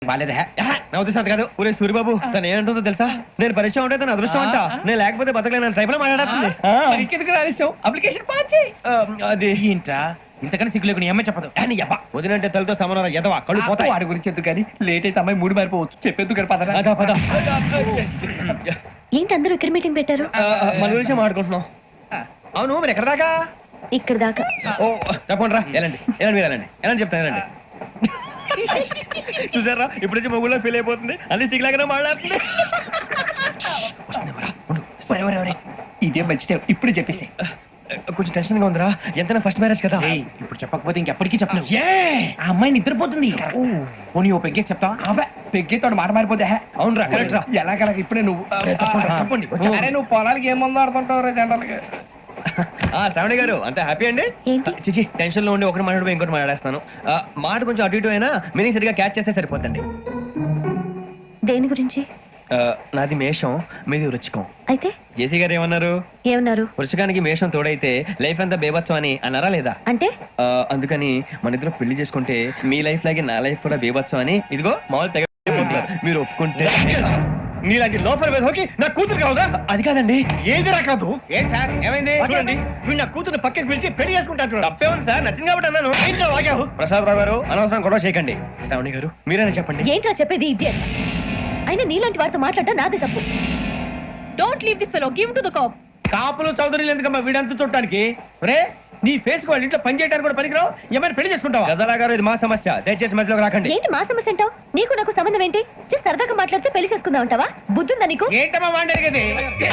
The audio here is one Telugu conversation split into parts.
బాలేదా నా ఉద్దేశం కాదు. ఊరే సూరిబాబు తను ఏంటుందో తెలుసా? నేను పరిచయం ఉంటే తన అదృష్టం అంట. నేను లేకపోతే బతకలేను ట్రైబ్ లో మాట్లాడుతుంది. అప్లికేషన్ పాస్ చేయి. అది ఏంట్రా ఇంతకన్నా సిగ్గు లేకుండా ఏమై చెప్పదు. వదినంటే తలతో సమానం ఎదవా కళ్ళు పోతాయి. వాడి గురించి ఎందుకు కానీ లేట్ అయితే అమ్మాయి మూడు మారిపోవచ్చు. చెప్పేందుకు కానీ పద పద. ఏంటి అందరూ ఇక్కడ మీటింగ్ పెట్టారు? మన గురించి మాట్లాడుకుంటున్నాం. అవును మీరు ఎక్కడ దాకా? ఇక్కడ దాకా. ఓ తప్పకుండా రా. వెళ్ళండి వెళ్ళండి మీరు వెళ్ళండి వెళ్ళండి చెప్తాను వెళ్ళండి. చూసారా ఇప్పుడు నుంచి మొగుల్లో ఫీల్ అయిపోతుంది. అన్ని సిగ్లాగానే మాట్లాడుతుంది. ఇదే మంచిదే ఇప్పుడు చెప్పేసి. కొంచెం టెన్షన్ గా ఉందిరా. ఎంతైనా ఫస్ట్ మ్యారేజ్ కదా. ఇప్పుడు చెప్పకపోతే ఇంకెప్పటికీ చెప్పలేవు. ఆ అమ్మాయి నిద్రపోతుంది. పోనీ ఓ పెగ్గేసి చెప్తావా? అబ్బా పెగ్గేతో మాట మారిపోతే. అవునరా కరెక్ట్ రా. ఎలాగలా ఇప్పుడే నువ్వు తప్పండి. నువ్వు పొలాలకి ఏముందో ఆడుతుంటావు రే జనరల్గా. శ్రావణి గారు అంతా హ్యాపీ అండి? చిచి టెన్షన్ లో ఉండి ఒకటి మాట్లాడిపోయి ఇంకోటి మాట్లాడేస్తాను. మాట కొంచెం అటు ఇటు అయినా మీనింగ్ సరిగా క్యాచ్ చేస్తే సరిపోతండి. దేని గురించి? నాది మేషం, మీది వృచ్చికం. అయితే జేసీ గారు ఏమన్నారు? వృచ్చికానికి మేషం తోడైతే లైఫ్ అంతా బేబత్సం అని అన్నారా లేదా? అంటే అందుకని మన ఇద్దరు పెళ్లి చేసుకుంటే మీ లైఫ్ లాగే నా లైఫ్ కూడా బేబత్సం అని ఇదిగో మామూలు తెగ మీరు ఒప్పుకుంటే నీలాంటి లోపల వేదోకి నా కూతురు కావుగా. అది కాదండి. ఏదిరా కాదు? ఏం సార్ ఏమైంది? చూడండి వీడు నా కూతురు పక్కకి పిలిచి పెళ్లి చేసుకుంటాను. తప్పే ఉంది సార్, నచ్చింది కాబట్టి అన్నాను. ఇంట్లో వాగావు. ప్రసాద్ రావు గారు అనవసరం గొడవ చేయకండి. శ్రావణి గారు మీరైనా చెప్పండి. ఏంట్రా చెప్పేది? ఇడియట్. అయినా నీలాంటి వారితో మాట్లాడటం నాదే తప్పు. Don't leave this fellow, give to the cop. కాపులు చౌదరులు ఎందుకమ్మా వీడంతా చూడటానికి? రే నీ ఫేస్ వాళ్ళ ఇంట్లో పని చేయడానికి కూడా పనికిరావు. ఏమైనా పెళ్లి చేసుకుంటావా? గజాలా గారు ఇది మా సమస్య, దయచేసి మధ్యలోకి రాకండి. ఏంటి మా సమస్య అంటావు? నీకు నాకు సంబంధం ఏంటి? జస్ట్ సరదాగా మాట్లాడితే పెళ్లి చేసుకుందాం అంటావా? బుద్ధుందా నీకు? ఏంటమ్మా వాడేది?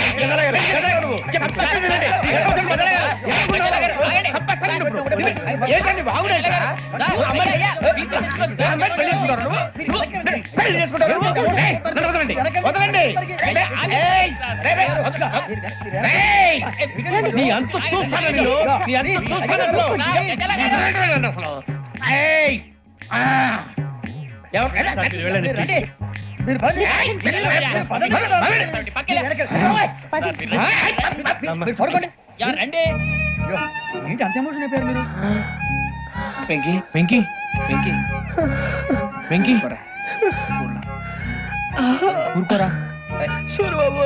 నీ అంత చూస్తాను నేను. నీ అంత అంత ఎమోషన్ అయిపోయారు మీరు. వెంకీ వెంకీ వెంకీ వెంకీ ఊరుకోరా. సూరిబాబు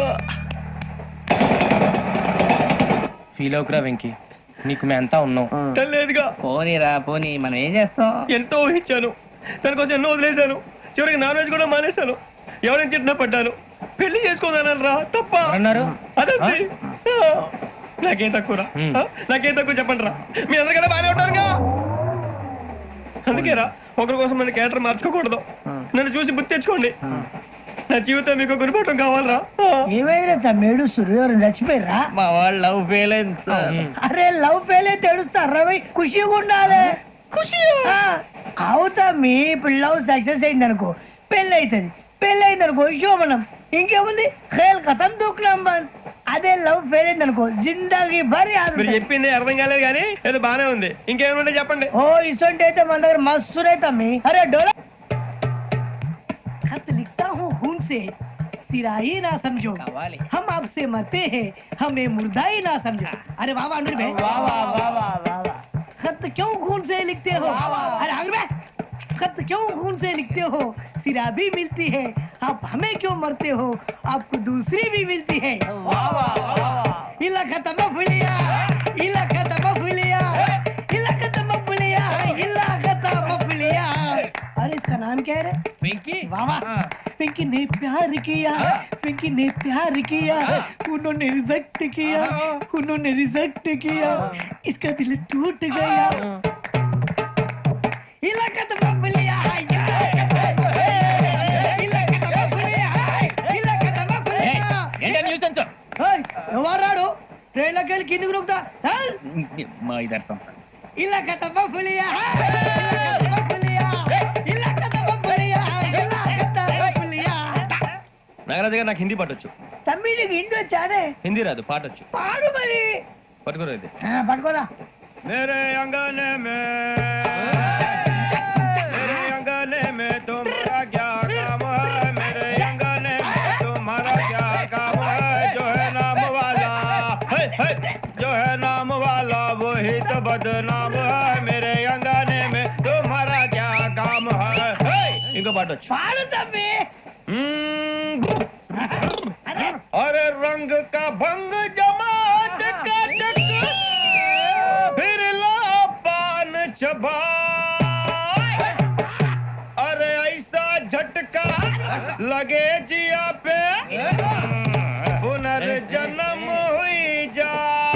ఫీల్ అవుకురా వెంకీ, నీకు మేమంతా ఉన్నాం. లేదుగా. పోనీరా పోనీ, మనం ఏం చేస్తాం? ఎంతో ఊహించాను, దానికోసం ఎన్నో వదిలేశాను. చివరికి నాన్ వెజ్ కూడా మానేశాను. ఎవరైనా తిట్టినా పడ్డాను. పెళ్లి చేసుకోదానని రా తప్ప అన్నారు. అదంతే. నాకేం తక్కువరా? నాకేం తక్కువ చెప్పండి రా. మీ అందరికన్నా బాగానే ఉంటారుగా. అందుకేరా ఒకరి కోసం నన్ను క్యారెక్టర్ మార్చుకోకూడదు. నన్ను చూసి గుర్తు తెచ్చుకోండి. నా జీవితం మీకు గురిపటం కావాలరా. ఏమైనా తమ్మేడు సూర్యవరం చచ్చిపోయిరా? మా వాళ్ళు లవ్ ఫెయిల్ అయింది సార్. అరే లవ్ ఫెయిల్ అయితే ఏడుస్తారా? ఖుషిగా ఉండాలి. ఖుషి అవుతా. మీ ఇప్పుడు లవ్ సక్సెస్ అయింది అనుకో పెళ్ళి అవుతుంది. పెళ్ళి అయింది అనుకో శోభనం. ఇంకేముంది ఖేల్ కథం దూకునాం బాన్. అదే లవ్ ఫెయిల్ అయింది అనుకో జిందాగీ భారీ. మీరు చెప్పింది అర్థం కాలేదు కానీ ఏదో బానే ఉంది. ఇంకేమైనా చెప్పండి. ఓ ఇసొంటి అయితే మన దగ్గర మస్తునే తమ్మి. అరే డోలా खत लिखता हूँ खून से, सिरा ही ना समझो, हम आपसे मरते हैं, हमें मुर्दा ही ना समझो. अरे वाह वाह अनुर भाई, वाह वाह वाह वाह वाह. खत क्यों खून से लिखते हो? अरे अनुर भाई, खत क्यों खून से लिखते हो? सिरा भी मिलती है, आप हमें क्यों मरते हो? आपको दूसरी भी मिलती है. वाह वाह वाह. इला खत्म फुलिया, इला खत्म फुलिया, इला खत्म फुलिया, इला खत्म फुलिया. अरे इसका नाम क्या है रे? వెంకీ. वाह वाह. पिंकी ने प्यार किया, पिंकी ने प्यार किया, उन्होंने रिजेक्ट किया, उन्होंने रिजेक्ट किया, इसका दिल टूट गया. इलाका तो बबलिया, इलाका तो बबलिया, इलाका तो बबलिया. ఏంటా న్యూసెన్స్? ఎవరాడు ట్రైన్ లోకి వెళ్ళి కిందికి నొక్కుతా? మా ఇదర్శం. ఇలాకా तो बबलिया, इलाका तो बबलिया, इलाका तो बबलिया, इलाका तो बबलिया. నాగరాజు గారు నాకు హిందీ పాటొచ్చు. తమ్మి నీకు హిందీ వచ్చానే? హిందీ రాదు, పాటొచ్చు. పాడు మరి. పట్టుకోరా ఇది. పట్టుకోరా. मेरे अंगने में तुम्हारा क्या काम है? मेरे अंगने में तुम्हारा क्या काम है? जो है नाम वाला जो है नाम वाला वही तो बदनाम है. मेरे अंगने में तुम्हारा क्या काम है? इनको పాడొచ్చు. पाड़ो तम्बी अरे रंग का भंग जमा चकाचक फिर ला पान चबा अरे ऐसा झटका लगे जिया पे पुनर्जन्म हुई जा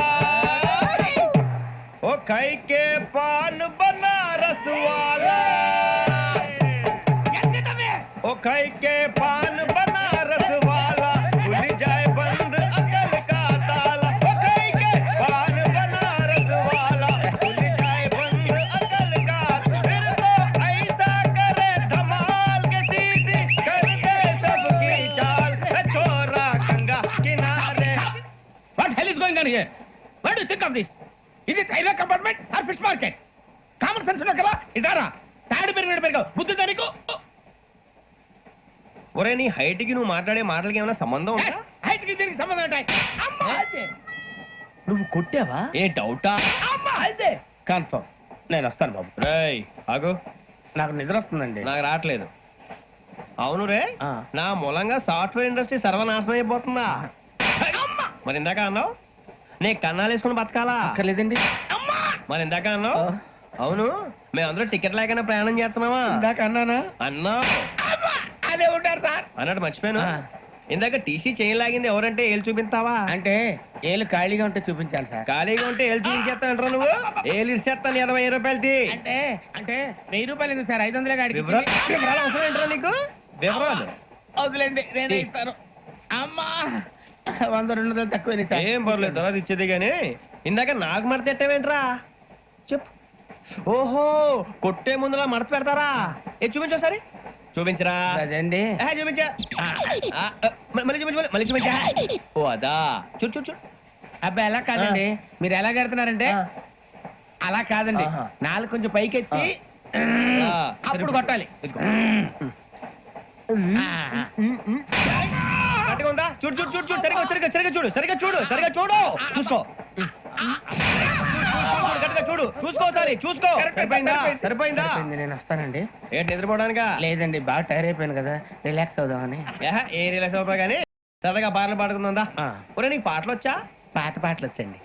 ओ खाई के पान बनारस वाला ओ खाई के पान बनारस वाला खुल जाए बंद अकल का ताला ओ खाई के पान बनारस वाला खुल जाए बंद अकल का फिर तो ऐसा करे धमाल के सीधी कर दे सबकी चाल छोरा गंगा किनारे. What hell is going on here? What do you think of this? Is it railway compartment or fish market? Common sense ఉన్న కదా ఇటారా తాడు పెరిగినట్టు బుద్ధి దానికి ఒరే నీ హైట్ కి నువ్వు మాట్లాడే మాటలకి ఏమైనా సంబంధం ఉందా? హైట్ కి దీనికి సంబంధం ఉంటాయి. అమ్మా నువ్వు కొట్టావా ఏ డౌటా? అమ్మా అయితే కన్ఫర్మ్ నేను వస్తాను బాబు. రేయ్ ఆగు, నాకు నిద్ర వస్తుందండి. నాకు రావట్లేదు. అవును రే, ఆ. నా మూలంగా సాఫ్ట్వేర్ ఇండస్ట్రీ సర్వనాశనం అయిపోతుందా? మరి ఇందాక అన్నావు నే కన్నాలు వేసుకుని బతకాలా? అక్కర్లేదండి. మరి ఇందాక అన్నావు అవును మేమందరూ టికెట్ లేకనే ప్రయాణం చేస్తున్నావా? ఇందాక అన్నానా? అన్నావు. అదే ఉంటారు సార్. అన్నట్టు మర్చిపోయాను. ఆ. ఇందాక టీసీ చేయి లాగింది ఎవరంటే ఏళ్ళు చూపిస్తావా? అంటే ఏళ్ళు ఖాళీగా ఉంటే చూపించాలి సార్. ఖాళీగా ఉంటే ఏళ్ళు చూపించేస్తానంటారా నువ్వు? ఏళ్ళు ఇచ్చేస్తాను 20 రూపాయలది. అంటే అంటే 1000 రూపాయలు ఎందుకు సార్? 500 గాడికి వివరాలు అవసరం ఏంటరా నీకు? వివరాలు వదిలేండి నేనే ఇస్తాను. అమ్మా 100 200 తక్కువ సార్. ఏం పర్లేదు తర్వాత ఇచ్చేది గానీ ఇందాక నాకు మడత ఎట్టవేంట్రా చెప్పు. ఓహో కొట్టే ముందులా మడత పెడతారా? ఏ చూపించు ఒకసారి చూపించరా. అదండి. చూపించా మళ్ళీ చూపించు మళ్ళీ చూపించా. ఓ అదా చూడు చూడు చూడు. అబ్బాయి ఎలా కాదండి, మీరు ఎలా కడుతున్నారంటే అలా కాదండి. ఆహా. నాలుగు కొంచెం పైకెత్తి అప్పుడు కొట్టాలి. ఇదిగో. ఆ, ఆ. గట్టిగా ఉందా? చూడు చూడు చూడు చూడు సరిగా సరిగా సరిగా చూడు సరిగా చూడు సరిగా చూడు చూసుకో గట్టిగా చూడు చూసుకో సరే చూసుకో. సరిపోయిందా? సరిపోయిందా? సరిపోయింది, నేను వస్తానండి. ఏంటి నిద్రపోవడానికా? లేదండి బాగా టైర్ అయిపోయాను కదా, రిలాక్స్ అవుదామని. ఏ రిలాక్స్ అవుతావు కానీ సరదాగా పాటలు పాడుకుందా? ఆ. ఒరే నీకు పాటలు వచ్చా? పాత పాటలు వచ్చండి.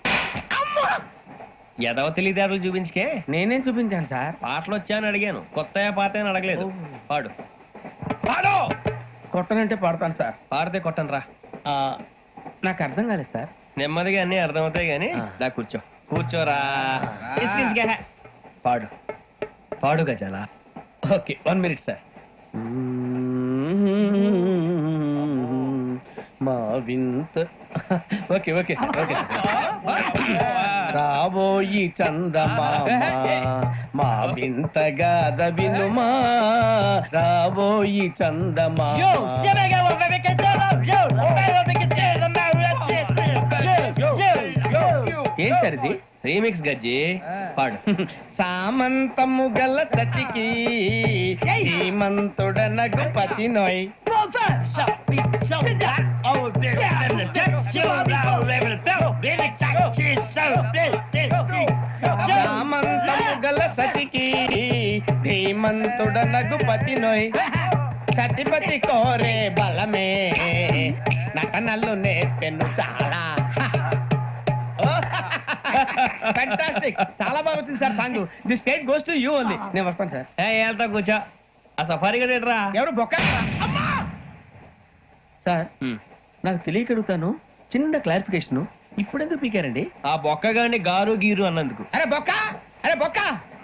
ఎదవ తెలివితేటలు చూపించుకే. నేనేం చూపించాను సార్? పాటలు వచ్చా అని అడిగాను, కొత్త పాత అని అడగలేదు. పాడు పాడు. కొట్టనంటే పడతాను సార్. పాడితే కొట్టను రా. ఆ, నాకు అర్థం కాలేదు సార్. నెమ్మదిగా అన్ని అర్థమవుతాయి గానీ ఆ. దా కూర్చో కూర్చోరా. ఇసుకించుకే. పాడు పాడు గజాల. Okay 1 minute sir. మా వింత okay okay sir okay sir. రాబోయి చందమామ మా వింత గాథ వినుమా, రాబోయి చందమామ. ఏం సార్ ఇది? రీమిక్స్ గజ్జి పాడు. సామంతము గల సతికి హేమంతుడ నగుపతి నోయ్. సామంతము గల సతికి ధీమంతుడ నగుపతి నోయ్. సతిపతి కోరే బలమే నటనలు నేర్పెను చాలా. ఫ్యాంటాస్టిక్, చాలా బాగా వచ్చింది sir song. The state goes to you only. నేను వస్తాను సార్. వెళ్తా కూర్చో. ఆ సఫారీ గడ్ ఎట్రా? ఎవరు బొక్క సార్? నాకు తెలియక అడుగుతాను, చిన్న క్లారిఫికేషన్. ఇప్పుడెందుకు పీకారండి? ఆ బొక్కగాని గారు గీరు అన్నందుకు. అరే బొక్క, అరే బొక్క,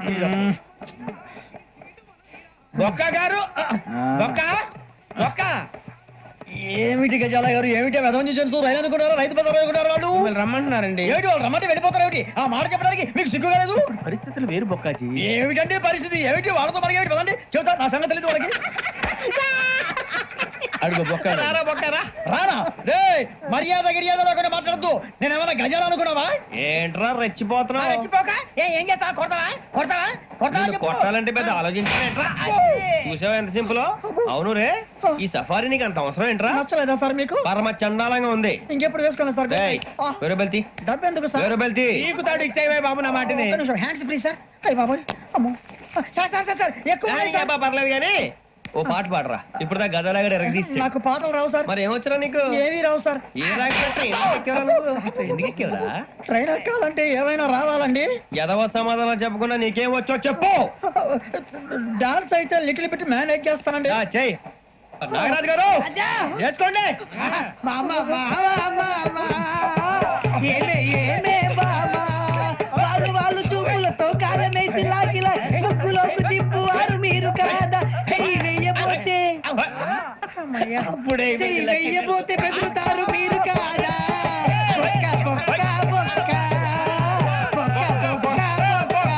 బొక్క గారు, బొక్క బొక్క. ఏమిటి గజాల గారు, ఏమిటి వెదవని చూసి రైలు అనుకున్నారా? రైతు బజార్ అనుకున్నారు వాళ్ళు. మిమ్మల్ని రమ్మంటున్నారండి. ఏమిటి వాళ్ళు రమ్మంటే వెళ్ళిపోతారు? ఏమిటి ఆ మాట చెప్పడానికి మీకు సిగ్గు కాలేదు? పరిస్థితులు వేరు బొక్కాజీ. ఏమిటంటే పరిస్థితి? ఏమిటి వాళ్ళతో మనకి ఏమిటి పదండి చెబుతా, నా సంగతి తెలియదు వాళ్ళకి. అడుగు బొక్క. రారా బొక్కరా. రానా రే, మర్యాద గిర్యాద లేకుండా మాట్లాడద్దు. నేను ఏమన్నా గజాలు అనుకున్నావా? ఏంట్రా రెచ్చిపోతున్నావు? రెచ్చిపోక ఏం చేస్తావా? కొడతావా కొడతావా కొడతావా నిన్ను చెప్పు. కొట్టాలంటే పెద్ద ఆలోచించావేంట్రా? చూసావా ఎంత సింపుల్. అవును రే, ఈ సఫారీ నీకు అంత అవసరం ఏంట్రా? నచ్చలేదా సార్ మీకు? పరమ చండాలంగా ఉంది. ఇంకెప్పుడు వేసుకోండి సార్. వేరే బెల్తి డబ్బు ఎందుకు సార్? వేరే బెల్తి. నీకు తాడు ఇచ్చావే బాబు నా మాటని. Hands free sir. అయ్యి బాబోయ్, అమ్మో. సార్ సార్ సార్ సార్ ఎక్కువ ఉన్నాయి సార్. పర్లేదు కానీ ఓ పాట పాడరా ఇప్పుడు దా గదలాగడ ఎరగదీసి నాకు పాటలు రావు సార్. మరి ఏమొచ్చరా నీకు ఏమీ రావు సార్. ఏ రాకపోతే ఎందుకు ఎక్కేవరా ట్రైన్ ఎక్కాలంటే ఏమైనా రావాలండి. ఎదవ సమాధానం చెప్పకుండా నీకేం వచ్చో చెప్పు. డాన్స్ అయితే లిటిల్ బిట్ మేనేజ్ చేస్తానండి. చెయ్యి నాగరాజు గారు వేసుకోండి. మామ ఏమే ఏమే బామా వాళ్ళు చూపులతో కారమేసి లాగిలా ముక్కులోకి తిప్పువారు మీరు కాదా. చెయ్యి వెయ్యబోతే అప్పుడే చెయ్యి వెయ్యబోతే బెదురుతారు మీరు కాదా. బొక్క బొక్క బొక్క బొక్క బొక్క బొక్క.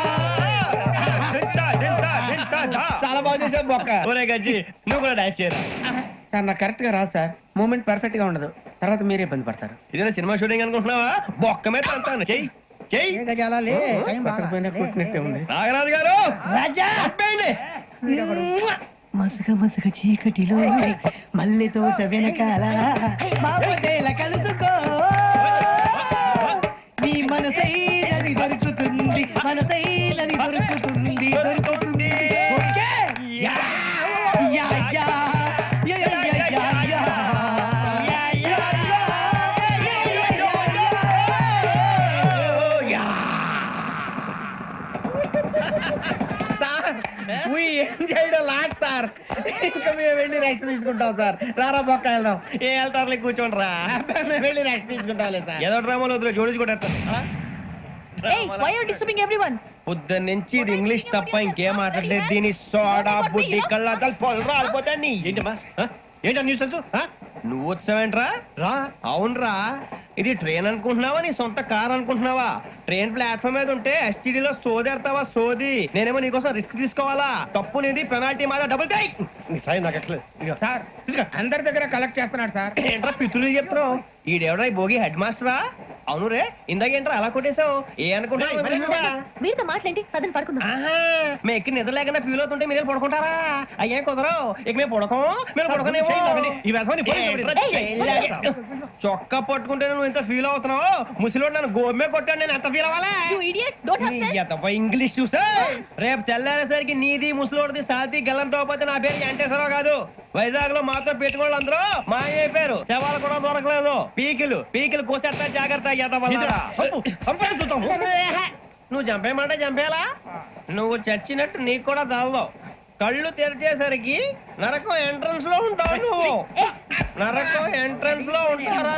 చాలా బాగా చేసావు బొక్క. ఒరే గజ్జి నువ్వు కూడా డాన్స్ చేయరా. సార్ నాకు కరెక్ట్ గా రాదు సార్. మూమెంట్ పర్ఫెక్ట్ గా ఉండదు, తర్వాత మీరే ఇబ్బంది పడతారు. ఇదేనా సినిమా షూటింగ్ అనుకుంటున్నావా? బొక్క మీద అంతాను చెయ్యి చెయ్యి. ఏ గజాలాలే, టైం బాగా. పక్కన పోయినా కొట్టినట్టే ఉంది. నాగరాజు గారు రాజా చెప్పండి. మసగ మసగ చీకటిలో మల్లె తోట వెనకాల మాపదేల కలుసుకో. నీ మనసైనది దొరుకుతుంది, మనసైనది దొరుకుతుంది, దొరుకుతుంది. Okay? Yeah, yeah, yeah, yeah, yeah, yeah, yeah, yeah. Yeah, yeah, yeah, yeah, yeah, yeah. Sir we enjoyed a lot, sir. ఇంకా మేము వెళ్ళి రెక్స్ తీసుకుంటాం సార్. రారా బొక్క వెళ్దాం. ఏ వెళ్తారులే కూర్చోండి రా. మేము వెళ్ళి రెక్స్ తీసుకుంటాంలే సార్. ఏదో డ్రామాలో వద్దు జోడించుకుంటారు. Hey, why are you disturbing everyone? పొద్దున్న నుంచి ఇది ఇంగ్లీష్ తప్ప ఇంకేం మాట్లాడలేదు. దీని సోడా బుద్ధి కళ్ళ పొలు రాలిపోతా నీ. ఏంటమ్మా ఏంటా న్యూస్ నువ్వు వచ్చావేంట్రా? రా అవునరా. ఇది ట్రైన్ అనుకుంటున్నావా నీ సొంత కార్ అనుకుంటున్నావా? ట్రైన్ ప్లాట్ఫామ్ మీద ఉంటే STD లో సోదేడతావా సోది. నేనేమో నీకోసం రిస్క్ తీసుకోవాలా? తప్పు నీది, పెనాల్టీ మాదా, డబుల్ టై. నాకు ఎట్లా సార్ అందరి దగ్గర కలెక్ట్ చేస్తున్నాడు సార్. ఏంట్రా పితులు చెప్తున్నావు? ఈడెవడ్రా ఈ భోగి హెడ్ మాస్టరా? అవును రే ఇందాక ఏంట్రా అలా కొట్టేశావు? ఏ అనుకుంటా మీరుతో మాట్లాడి పదని పడుకుందాం. మేము ఎక్కి నిద్ర లేకుండా ఫీల్ అవుతుంటే మీరు పడుకుంటారా? అయ్యే కుదరవు. ఇక మేము పడకం, మేము పడకనేమో. చొక్కా పట్టుకుంటే నువ్వు ఎంత ఫీల్ అవుతున్నావు? ముసలివాడు నన్ను గోమే కొట్టాడు, నేను ఎంత ఫీల్ అవ్వాలా? You idiot, don't have sense. English చూసా రేపు తెల్లారేసరికి నీది ముసలోడిది సాతి గల్లంతో పోతే నా పేరు వెంకటేశ్వరరావు కాదు. వైజాగ్ లో మాతో పెట్టుకోవాలి అందరూ మాయైపోయారు. శవాలు కూడా దొరకలేదు. పీకిలు కోసేస్తా జాగ్రత్త. నువ్వు చంపేయమంటే చంపేలా? నువ్వు చచ్చినట్టు నీకు కూడా తగదు. కళ్ళు తెరిచేసరికి నరకం ఎంట్రన్స్ లో ఉంటావు. నువ్వు నరకం ఎంట్రన్స్ లో ఉంటారా?